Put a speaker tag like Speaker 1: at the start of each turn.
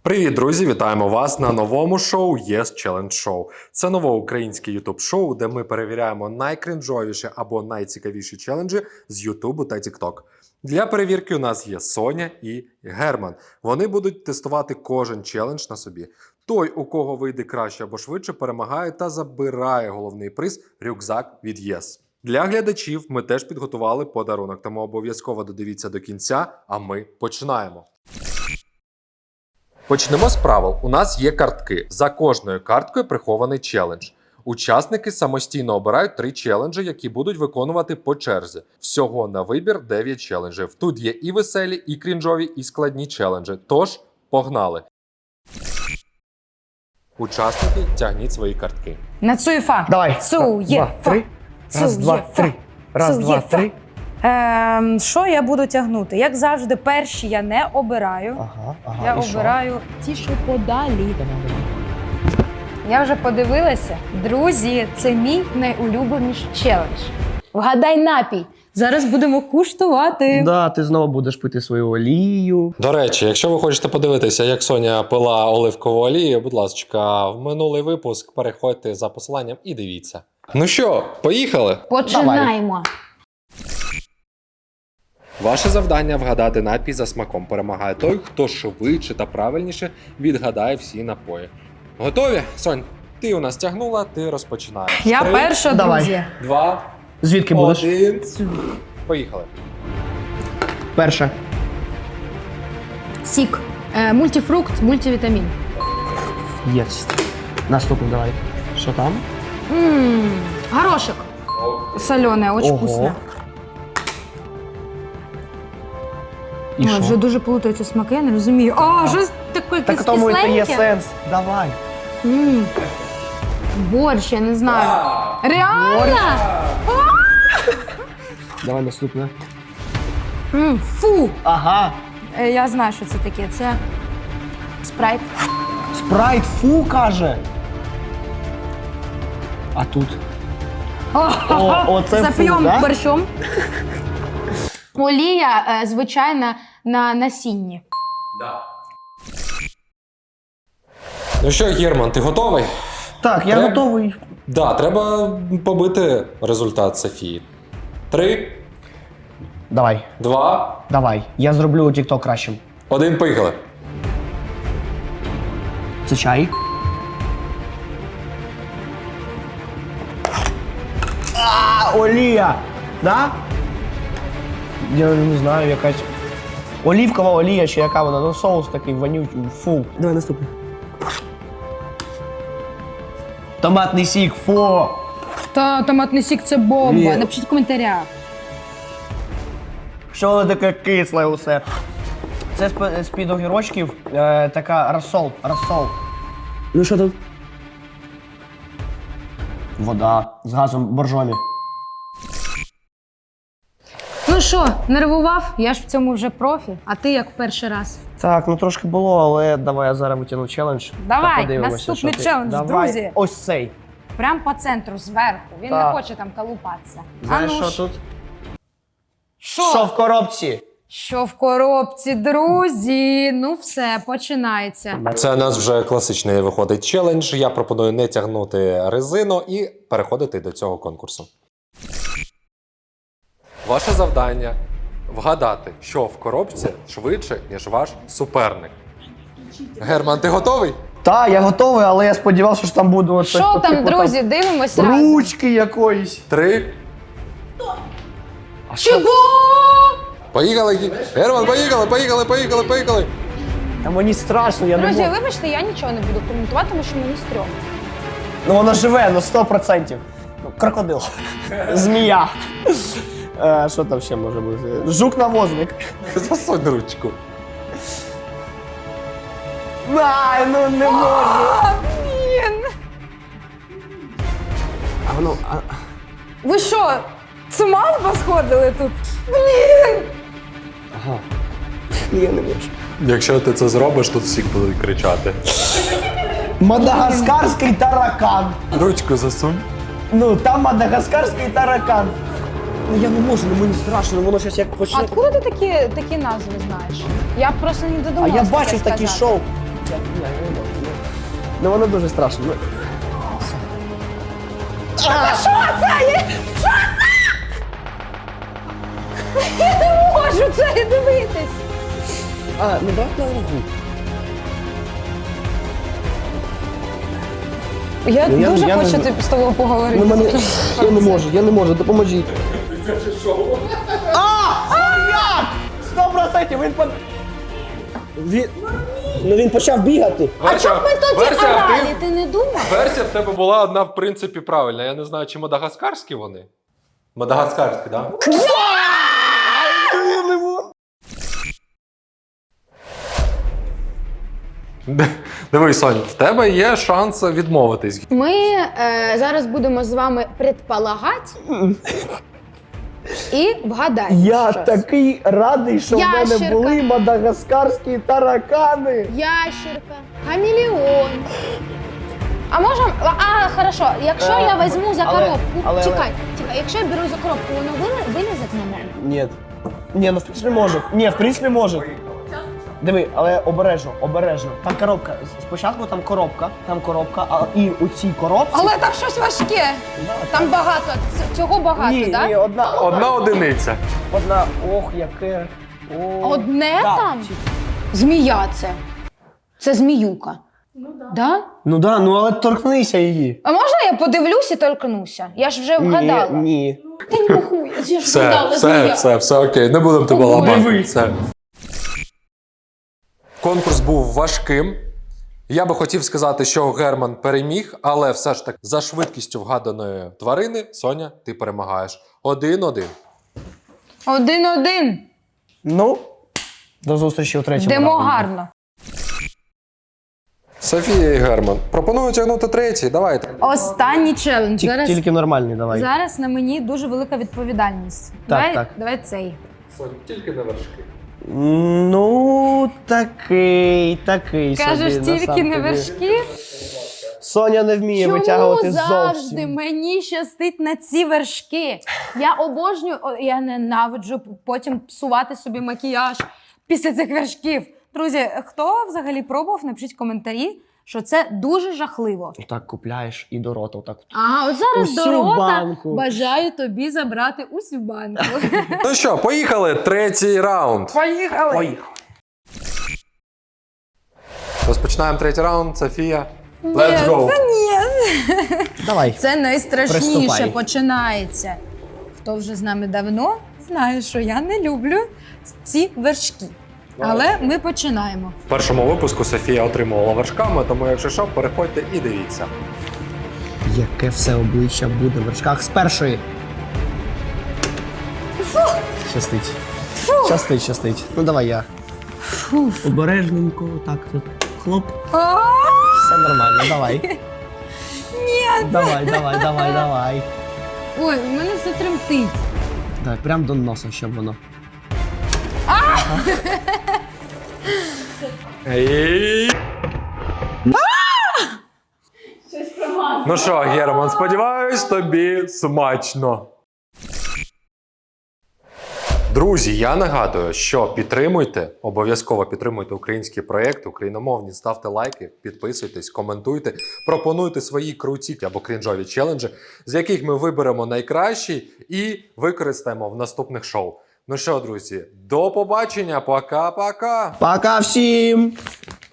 Speaker 1: Привіт, друзі! Вітаємо вас на новому шоу Yes Challenge Show. Це нове українське ютуб-шоу, де ми перевіряємо найкринжовіші або найцікавіші челенджі з Ютубу та Тікток. Для перевірки у нас є Соня і Герман. Вони будуть тестувати кожен челендж на собі. Той, у кого вийде краще або швидше, перемагає та забирає головний приз – рюкзак від Yes. Для глядачів ми теж підготували подарунок, тому обов'язково додивіться до кінця, а ми починаємо. Почнемо з правил. У нас є картки. За кожною карткою прихований челендж. Учасники самостійно обирають 3 челенджі, які будуть виконувати по черзі. Всього на вибір 9 челенджів. Тут є і веселі, і крінжові, і складні челенджі. Тож, погнали! Учасники, тягніть свої картки.
Speaker 2: На Цуєфа.
Speaker 3: Давай.
Speaker 2: Цуєфа.
Speaker 3: Раз, два, три. Раз, два, три.
Speaker 2: Що я буду тягнути? Як завжди, перші я не обираю.
Speaker 3: Ага,
Speaker 2: Я
Speaker 3: і що?
Speaker 2: обираю ті, що подалі. Я вже подивилася. Друзі, це мій найулюбленіший челендж. Вгадай напій. Зараз будемо куштувати.
Speaker 3: Да, ти знову будеш пити свою олію.
Speaker 1: До речі, якщо ви хочете подивитися, як Соня пила оливкову олію, будь ласка, в минулий випуск переходьте за посиланням і дивіться. Ну що, поїхали?
Speaker 2: Починаємо.
Speaker 1: Ваше завдання вгадати напій за смаком. Перемагає той, хто швидше та правильніше відгадає всі напої. Готові? Сонь, ти у нас тягнула, ти розпочинаєш.
Speaker 2: Я
Speaker 1: 3,
Speaker 2: перша,
Speaker 3: Давай.
Speaker 2: друзі.
Speaker 1: 2,
Speaker 3: Звідки будеш?
Speaker 1: 1. Поїхали.
Speaker 3: Перша.
Speaker 4: Сік, мультифрукт, мультивітамін.
Speaker 3: Єсть. Наступний давай. Що там?
Speaker 4: Горошок.
Speaker 2: Солене, очень
Speaker 3: Ого.
Speaker 2: вкусно.
Speaker 3: І
Speaker 2: Ой,
Speaker 3: що?
Speaker 2: вже дуже плутаються смаки, я не розумію. А, щось таке
Speaker 3: Так в тому і то є
Speaker 2: кисленьке.
Speaker 3: сенс. Давай.
Speaker 4: Борщ, я не знаю. Реально?
Speaker 3: Давай наступне.
Speaker 4: Фу.
Speaker 3: Ага.
Speaker 2: Я знаю, що це таке. Це спрайт.
Speaker 3: Спрайт фу каже. А тут? Оце фу,
Speaker 4: Зап'ємо
Speaker 3: да?
Speaker 4: борщом. Олія звичайна на насінні.
Speaker 1: Ну що, Герман, ти готовий?
Speaker 3: Так, я
Speaker 1: Треба?
Speaker 3: готовий.
Speaker 1: Да, треба побити результат Софії. 3,
Speaker 3: Давай.
Speaker 1: 2,
Speaker 3: Давай. Я зроблю TikTok кращим.
Speaker 1: 1, поїхали.
Speaker 3: Це чай. Олія! Да? Я не знаю, якась олівкова олія чи яка вона, ну соус такий вонючий, фу. Давай наступний. Томатний сік, фу!
Speaker 4: Та томатний сік це бомба.
Speaker 3: Ні.
Speaker 4: Напишіть в коментарях.
Speaker 3: Що воно таке кисле усе? Це з-під огірочків така розсол. Ну що тут? Вода з газом боржомі.
Speaker 4: Ну що, нервував? Я ж в цьому вже профі. А ти як в перший раз?
Speaker 3: Так, ну трошки було, але давай я зараз витягну челендж.
Speaker 2: Давай,
Speaker 3: та подивимося,
Speaker 2: наступний
Speaker 3: що ти.
Speaker 2: челендж,
Speaker 3: Давай,
Speaker 2: друзі.
Speaker 3: ось цей.
Speaker 2: Прям по центру, зверху. Він
Speaker 3: Так.
Speaker 2: не хоче там колупатися.
Speaker 3: Знаєш,
Speaker 2: ну
Speaker 3: що тут?
Speaker 2: Що?
Speaker 3: Що в коробці?
Speaker 2: Що в коробці, друзі? Ну все, починається.
Speaker 1: Це у нас вже класичний виходить челендж. Я пропоную не тягнути резину і переходити до цього конкурсу. Ваше завдання вгадати, що в коробці швидше, ніж ваш суперник. Герман, ти готовий?
Speaker 3: Так, я готовий, але я сподівався, що там буде щось
Speaker 2: Що
Speaker 3: по
Speaker 2: там,
Speaker 3: типу,
Speaker 2: друзі? Дивимося разом.
Speaker 3: ручки якоїсь.
Speaker 1: 3.
Speaker 4: Чого?
Speaker 1: Поїхали! Герман, поїхали!
Speaker 3: Та мені страшно, я не
Speaker 4: Друзі,
Speaker 3: можу.
Speaker 4: вибачте, я нічого не буду коментувати, тому що мені стрьомно.
Speaker 3: Ну воно живе, ну 100%. Ну, крокодил. Змія. Що там ще може бути? Жук-навозник.
Speaker 1: Засунь ручку.
Speaker 3: Ай, ну не можу.
Speaker 2: Блін!
Speaker 3: А воно,
Speaker 2: Ви що, з ума посходили тут?
Speaker 3: я не можу.
Speaker 1: Якщо ти це зробиш, тут всі будуть кричати.
Speaker 3: Мадагаскарський таракан.
Speaker 1: Ручку засунь.
Speaker 3: Ну, там мадагаскарський таракан. Ну я не можу, ну мені страшно, воно щось як
Speaker 4: А
Speaker 3: почне.
Speaker 4: откуда ти такі назви знаєш? Я просто не
Speaker 3: А
Speaker 4: додумалася.
Speaker 3: я
Speaker 4: таке
Speaker 3: бачив такі
Speaker 4: сказати.
Speaker 3: шоу. не можу. Ну воно дуже страшно. Ну.
Speaker 2: Що це? Що це? Я не можу це дивитись.
Speaker 3: А, ну брат на руку.
Speaker 2: Я
Speaker 3: Ну,
Speaker 2: дуже
Speaker 3: я не
Speaker 2: хочу
Speaker 3: знаю.
Speaker 2: з тобою поговорити.
Speaker 3: Ну мене, я не можу, допоможіть. Як? 100% він почав бігати.
Speaker 2: А чому ми тоді
Speaker 1: Версія,
Speaker 2: орали, ти не думав?
Speaker 1: Версія в тебе була одна, в принципі, правильна. Я не знаю, чи мадагаскарські вони? Мадагаскарські, так? Да? Дивись, Сонь, в тебе є шанс відмовитись.
Speaker 2: Ми зараз будемо з вами предполагати і вгадати.
Speaker 3: Я
Speaker 2: щось.
Speaker 3: такий радий, що в мене
Speaker 2: Ящерка.
Speaker 3: були мадагаскарські таракани.
Speaker 2: Ящерка, хамелеон. А можемо. А, хорошо, якщо я візьму за
Speaker 3: але-
Speaker 2: коробку.
Speaker 3: але-
Speaker 2: Чекай, якщо я беру за коробку, воно вилізе на мене?
Speaker 3: Ні. Ні, ну в принципі може. Ні, в принципі може. Диви, але обережно. Там коробка. Спочатку там коробка, а і у цій коробці.
Speaker 2: Але там щось важке. Там багато. Цього багато,
Speaker 3: ні,
Speaker 2: так?
Speaker 3: ні, одна.
Speaker 1: Одна одиниця.
Speaker 3: Одна. Ох, яке. О.
Speaker 2: Одне
Speaker 3: Так.
Speaker 2: там? Змія це. Це зміюка. Ну так. Да.
Speaker 3: Ну да, ну але торкнися її.
Speaker 2: А можна я подивлюсь і торкнуся? Я ж вже вгадала.
Speaker 3: Ні.
Speaker 2: Ти не рахуй, я ж
Speaker 1: Все,
Speaker 2: вгадала, змія.
Speaker 1: все окей, не будемо тебе
Speaker 2: О,
Speaker 1: ламати.
Speaker 3: диви.
Speaker 1: Все. Конкурс був важким. Я би хотів сказати, що Герман переміг, але все ж таки за швидкістю вгаданої тварини, Соня, ти перемагаєш. 1-1.
Speaker 2: 1-1.
Speaker 3: Ну, до зустрічі у третьому.
Speaker 2: Йдемо
Speaker 3: раунді.
Speaker 2: гарно.
Speaker 1: Софія і Герман. Пропоную тягнути третій. Давайте.
Speaker 2: Останній челендж. Зараз,
Speaker 3: Тільки нормальний, давай.
Speaker 2: зараз на мені дуже велика відповідальність.
Speaker 3: Так.
Speaker 2: Давай цей.
Speaker 1: Соня, тільки на вершки.
Speaker 3: Ну, такий
Speaker 2: Кажеш,
Speaker 3: собі.
Speaker 2: тільки
Speaker 3: насамперед.
Speaker 2: не вершки.
Speaker 3: Соня не вміє
Speaker 2: Чому
Speaker 3: витягувати
Speaker 2: завжди
Speaker 3: зовсім.
Speaker 2: мені щастить на ці вершки? Я обожнюю, я ненавиджу потім псувати собі макіяж після цих вершків. Друзі, хто взагалі пробував, напишіть коментарі, що це дуже жахливо.
Speaker 3: Так купляєш і до рота отак.
Speaker 2: А от зараз
Speaker 3: Усю
Speaker 2: до рота
Speaker 3: банку.
Speaker 2: бажаю тобі забрати усю банку.
Speaker 1: Ну що, поїхали. Третій раунд.
Speaker 3: Поїхали.
Speaker 1: Розпочинаємо третій раунд. Софія. Let's go.
Speaker 3: Давай.
Speaker 2: Це найстрашніше
Speaker 3: Приступай.
Speaker 2: починається. Хто вже з нами давно, знає, що я не люблю ці вершки. Але ми починаємо.
Speaker 1: В першому випуску Софія отримувала вершками, тому якщо що, переходьте і дивіться.
Speaker 3: Яке все обличчя буде в вершках з першої. Щастить. Щастить. Ну давай я. Обережненько, так тут. Хлоп. Все нормально, давай. Ні. Давай.
Speaker 2: Ой, у мене все тремтить.
Speaker 3: Давай, прям до носа, щоб воно.
Speaker 1: І... Ну що, Герман, сподіваюсь, тобі смачно. Друзі, я нагадую, що обов'язково підтримуйте українські проєкти, україномовні, ставте лайки, підписуйтесь, коментуйте, пропонуйте свої круті або крінжові челенджі, з яких ми виберемо найкращий і використаємо в наступних шоу. Ну що, друзі, до побачення, пока-пока!
Speaker 3: Пока всім!